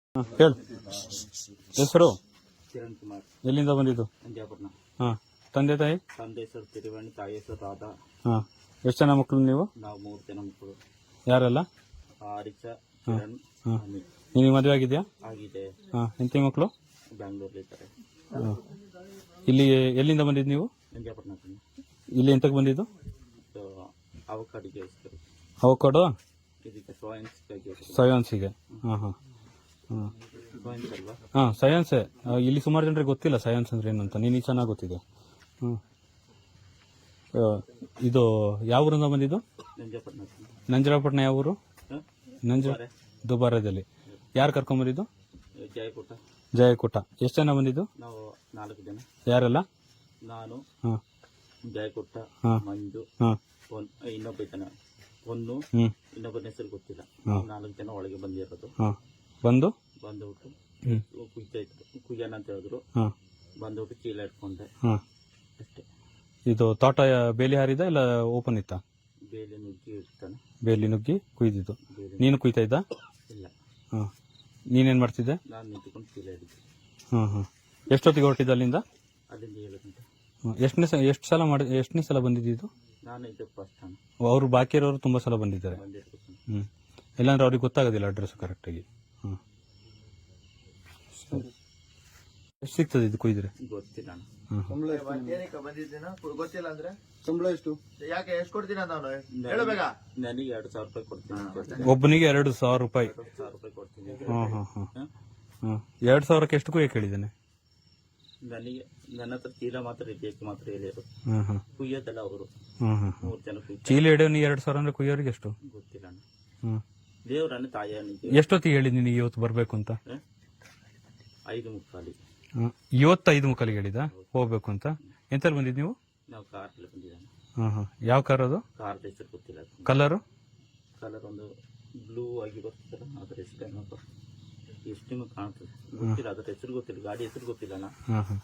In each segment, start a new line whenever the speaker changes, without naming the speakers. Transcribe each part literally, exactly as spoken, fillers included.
ಹಾಂ ಹೇಳು. ಹೆಸರು?
ಕಿರಣ್ ಕುಮಾರ್.
ಎಲ್ಲಿಂದ ಬಂದಿದ್ದು?
ನಂಜಾಪುರ.
ಹಾಂ. ತಂದೆ ತಾಯಿ?
ತಂದೆ ಹೆಸರು ತಿರುವಣಿ, ತಾಯಿ ಹೆಸರು ರಾಧಾ.
ಹಾಂ. ಎಷ್ಟು ಜನ ಮಕ್ಕಳು ನೀವು?
ನಾವು ಮೂರು ಜನ ಮಕ್ಕಳು.
ಯಾರೆಲ್ಲ?
ಆರಿಷ, ಕಿರಣ್,
ಹಾಂ.
ಅಮಿತ್.
ನಿನಗೆ ಮದುವೆ ಆಗಿದೆಯಾ?
ಆಗಿದೆ.
ಹಾಂ. ಎಂತಿ ಮಕ್ಕಳು?
ಬ್ಯಾಂಗ್ಳೂರ್ಲಿ ಇದ್ದಾರೆ.
ಹಾಂ. ಇಲ್ಲಿ ಎಲ್ಲಿಂದ ಬಂದಿದ್ದು ನೀವು?
ನಂಜಾಪುರ.
ಇಲ್ಲಿ ಎಂತಕ್ಕೆ ಬಂದಿದ್ದು?
ಅವಕಾಡಿಗೆ
ಅವಕಾಡೋ
ಇದಕ್ಕೆ ಸೋಯನ್ಸ್ಗೆ.
ಸಯೋನ್ಸಿಗೆ. ಹಾಂ ಹಾಂ ಹಾಂ
ಸೋಯನ್ಸ್ ಅಲ್ವಾ?
ಹಾಂ ಸಯನ್ಸೇ. ಇಲ್ಲಿ ಸುಮಾರು ಜನರಿಗೆ ಗೊತ್ತಿಲ್ಲ ಸಯನ್ಸ್ ಅಂದ್ರೆ ಏನು ಅಂತ. ನೀನು ಚೆನ್ನಾಗಿ ಗೊತ್ತಿದೆ. ಹ್ಞೂ. ಇದು ಯಾವ ಊರಿಂದ ಬಂದಿದ್ದು?
ನಂಜಾಪುರ.
ನಂಜರಾಪಟ್ಟಣ ಯಾವ ಊರು? ನಂಜ ದುಬಾರದಲ್ಲಿ. ಯಾರು ಕರ್ಕೊಂಬಂದಿದ್ದು?
ಜಯಕೂಟ.
ಜಯಕೂಟ. ಎಷ್ಟು ಜನ ಬಂದಿದ್ದು?
ನಾವು ನಾಲ್ಕು ಜನ.
ಯಾರೆಲ್ಲ?
ನಾನು,
ಹಾಂ,
ಜಯಕೂಟ,
ಹಾಂ,
ಮಂಜು,
ಹಾಂ,
ಇನ್ನೊಬ್ಬ ಜನ ಒಂದು,
ಹ್ಞೂ,
ಇನ್ನೊಬ್ಬನ ಹೆಸರು ಗೊತ್ತಿಲ್ಲ. ನಾಲ್ಕು ಜನ ಒಳಗೆ ಬಂದಿರೋದು.
ಹಾಂ. ಬಂದು
ಬಂದ್ಬಿಟ್ಟು
ಹ್ಞೂ
ಕುಯ್ತಾ ಇದ್ರು. ಕುಯ್ಯನ ಅಂತ ಹೇಳಿದ್ರು.
ಹಾಂ.
ಬಂದ್ಬಿಟ್ಟು ಚೀಲ ಇಟ್ಕೊಂಡೆ
ಹಾಂ.
ಅಷ್ಟೇ.
ಇದು ತೋಟ ಬೇಲಿ ಹಾರಿದ ಇಲ್ಲ ಓಪನ್ ಇತ್ತಾ?
ಬೇಲಿ ನುಗ್ಗಿ ಇರ್ತಾನೆ.
ಬೇಲಿ ನುಗ್ಗಿ ಕುಯ್ದಿದ್ದು.
ಬೇಲಿ
ನೀನು ಕುಯ್ತಾ ಇದ್ದ?
ಇಲ್ಲ,
ಹಾಂ. ನೀನೇನು ಮಾಡ್ತಿದ್ದೆ?
ನಾನು ನಿಂತ್ಕೊಂಡು ಚೀಲ ಹಿಡಿದ್ದೆ.
ಹಾಂ ಹಾಂ. ಎಷ್ಟೊತ್ತಿಗೆ ಹೊರಟಿದ್ದು ಅಲ್ಲಿಂದ?
ಅಲ್ಲಿಂದ ಏಳು ಗಂಟೆ.
ಹಾಂ. ಎಷ್ಟನೇ ಸ ಎಷ್ಟು ಸಲ ಮಾಡಿ ಎಷ್ಟನೇ ಸಲ ಬಂದಿದ್ದು?
ನಾನು ಇದು ಫಸ್ಟ್ ಟೈಮ್.
ಅವರು ಬಾಕಿ ಇರೋರು ತುಂಬ ಸಲ ಬಂದಿದ್ದಾರೆ.
ಬಂದಿರ್ಬೇಕು.
ಹ್ಞೂ. ಇಲ್ಲಾಂದ್ರೆ ಅವ್ರಿಗೆ ಗೊತ್ತಾಗೋದಿಲ್ಲ ಅಡ್ರೆಸ್ ಕರೆಕ್ಟಾಗಿ. ಹಾಂ. ಎಷ್ಟು ಸಿಗ್ತದೆ ಇದು ಕುಯ್ದ್ರೆ?
ಗೊತ್ತಿಲ್ಲ.
ಹಾಂ.
ಗೊತ್ತಿಲ್ಲ ಅಂದ್ರೆ
ಸಂಬಳ ಎಷ್ಟು?
ಯಾಕೆ ಎಷ್ಟು ಕೊಡ್ತೀನ ನಾನು ಹೇಳಬೇಕ?
ನನಗೆ ಎರಡು ಸಾವಿರ ರೂಪಾಯಿ ಕೊಡ್ತೀನಿ.
ಒಬ್ಬನಿಗೆ ಎರಡು ಸಾವಿರ ರೂಪಾಯಿ?
ಎರಡು ಸಾವಿರ ರೂಪಾಯಿ ಕೊಡ್ತೀನಿ.
ಹಾಂ ಹಾಂ ಹಾಂ ಹಾಂ. ಎರಡು ಸಾವಿರಕ್ಕೆ ಎಷ್ಟು ಕುಯ್ಯಕ್ಕೆ ಹೇಳಿದ್ದೇನೆ?
ನನಗೆ ನನ್ನ ಹತ್ರ ಚೀಲ ಮಾತ್ರ ಬೇಕು ಮಾತ್ರ ಹೇಳಿದ್ರು.
ಹಾಂ ಹಾಂ.
ಕುಯ್ಯೋದಲ್ಲ ಅವರು.
ಹಾಂ ಹಾಂ.
ಮೂರು ಜನ ಕುಯ್ತಾರೆ.
ಚೀಲ ಹಿಡಿಯೋ ನೀ ಎರಡು ಸಾವಿರ ಅಂದ್ರೆ ಕುಯ್ಯೋರಿಗೆ ಎಷ್ಟು?
ಗೊತ್ತಿಲ್ಲ.
ಹ್ಞೂ.
ದೇವ್ರನ್ನ ತಾಯ
ಎಷ್ಟೊತ್ತಿಗೆ ಹೇಳಿದ್ ನಿನಗೆ ಇವತ್ತು ಬರಬೇಕು ಅಂತ?
ಐದು ಮುಕ್ಕಾಲಿ.
ಹಾಂ. ಇವತ್ತು ಐದು ಮುಕ್ಕಾಲಿಗೆ ಹೇಳಿದ ಹೋಗ್ಬೇಕು ಅಂತ? ಎಂತಲ್ಲಿ ಬಂದಿದ್ದು ನೀವು?
ನಾವು ಕಾರಲ್ಲಿ ಬಂದಿದ್ದಾನೆ.
ಹಾಂ ಹಾಂ. ಯಾವ ಕಾರ್ ಅದು?
ಕಾರ್ ಹೆಸರು ಗೊತ್ತಿಲ್ಲ.
ಕಲರು?
ಕಲರ್ ಒಂದು ಬ್ಲೂ ಆಗಿ ಬರ್ತದಲ್ಲ, ಅದ್ರ ಹೆಸರು ಏನಪ್ಪ, ಎಷ್ಟು ಕಾಣ್ತದೆ ಗೊತ್ತಿಲ್ಲ. ಅದ್ರ ಹೆಸರು ಗೊತ್ತಿಲ್ಲ. ಗಾಡಿ ಹೆಸರು ಗೊತ್ತಿಲ್ಲ. ನಾ
ಹಾಂ ಹಾಂ.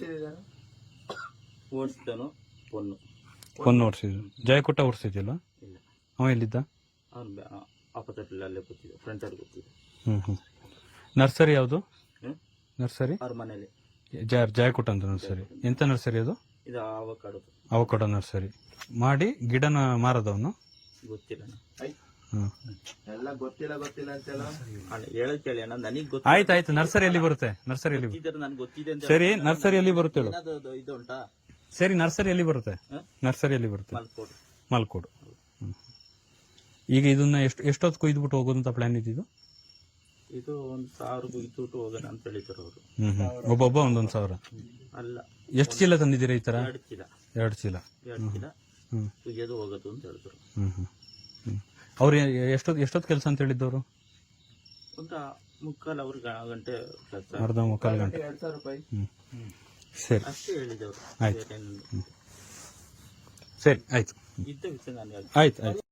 ಓಡಿಸಿದನು ಪೊನ್ನು.
ಪೊನ್ನು ಓಡಿಸಿದ್ರು. ಜಯಕುಟ್ಟ ಓಡಿಸಿದ್ಯಲ್ಲ?
ಇಲ್ಲ.
ಅವ ಎಲ್ಲಿದ್ದ?
ಅವ್ನು ಆಪೋಸಿಟ್ ಅಲ್ಲೇ ಗೊತ್ತಿದೆ, ಫ್ರಂಟ್ ಅಲ್ಲಿ ಗೊತ್ತಿದೆ.
ಹ್ಞೂ ಹ್ಞೂ. ನರ್ಸರಿ ಯಾವುದು? ನರ್ಸರಿ
ಅವ್ರ ಮನೇಲಿ
ಜಯ ಜಯಕುಟ್ಟ ಅಂತ ನರ್ಸರಿ. ಎಂತ ನರ್ಸರಿ ಅದು?
ಇದು ಅವಕಾಡೋ.
ಅವಕಾಡೋ ನರ್ಸರಿ ಮಾಡಿ ಗಿಡನ ಮಾರದವನು?
ಗೊತ್ತಿಲ್ಲ.
ಹ್ಞೂ.
ಎಲ್ಲ ಗೊತ್ತಿಲ್ಲ ಗೊತ್ತಿಲ್ಲ ಅಂತೆಲ್ಲ
ಹೇಳೋದ್ ಕೇಳಿ ಅಣ್ಣ, ನನಗೆ ಗೊತ್ತ.
ಆಯ್ತು ಆಯ್ತು. ನರ್ಸರಿ ಎಲ್ಲಿ ಬರುತ್ತೆ? ನರ್ಸರಿ ಎಲ್ಲಿ ಬರುತ್ತೆ?
ನನ್ಗೆ ಗೊತ್ತಿದೆ ಅಂತ.
ಸರಿ, ನರ್ಸರಿ ಎಲ್ಲಿ ಬರುತ್ತೆ ಹೇಳು?
ಏನಾದ್ರು ಇದು ಉಂಟಾ?
ಸರಿ, ನರ್ಸರಿ ಎಲ್ಲಿ ಬರುತ್ತೆ? ನರ್ಸರಿ ಎಲ್ಲಿ ಬರುತ್ತೆ?
ಮಲ್ಕೋಡು.
ಮಲ್ಕೋಡು. ಹ್ಞೂ. ಈಗ ಇದನ್ನ ಎಷ್ಟು ಎಷ್ಟೊತ್ತು ಕೊಯ್ದುಬಿಟ್ಟು ಹೋಗೋದಂತ ಪ್ಲಾನ್ ಇದ್ದಿದ್ದು?
ಇದು ಒಂದು ಸಾವಿರ ಇಟ್ಟು ಹೋಗೋಣ ಅಂತ ಹೇಳಿದ್ರು ಅವರು.
ಹ್ಞೂ ಹ್ಞೂ. ಒಬ್ಬೊಬ್ಬ ಒಂದೊಂದು ಸಾವಿರ?
ಅಲ್ಲ.
ಎಷ್ಟು ಚೀಲ ತಂದಿದ್ದೀರಾ ಈ ಥರ?
ಎರಡು ಚೀಲ.
ಎರಡು ಚೀಲ.
ಎರಡು ಚೀಲ
ಹ್ಞೂ.
ಕುಯ್ಯೋದು ಹೋಗೋದು ಅಂತ ಹೇಳಿದ್ರು.
ಹ್ಞೂ ಹ್ಞೂ ಹ್ಞೂ. ಅವ್ರು ಎಷ್ಟೊತ್ತು ಎಷ್ಟೊತ್ತು ಕೆಲಸ ಅಂತ ಹೇಳಿದ್ದವರು?
ಒಂದು ಮುಕ್ಕಾಲು ಅವ್ರ ಗಂಟೆ ಕೆಲಸ.
ಅರ್ಧ ಮುಕ್ಕಾಲು ಗಂಟೆ.
ಎರಡ್ ಸಾವಿರ ರೂಪಾಯಿ.
ಹ್ಞೂ. ಸರಿ,
ಅಷ್ಟೇ ಹೇಳಿದವರು.
ಆಯ್ತು. ಸರಿ ಆಯ್ತು.
ಇದ್ದ ವಿಷಯ ನಾನು
ಆಯ್ತು ಆಯ್ತು.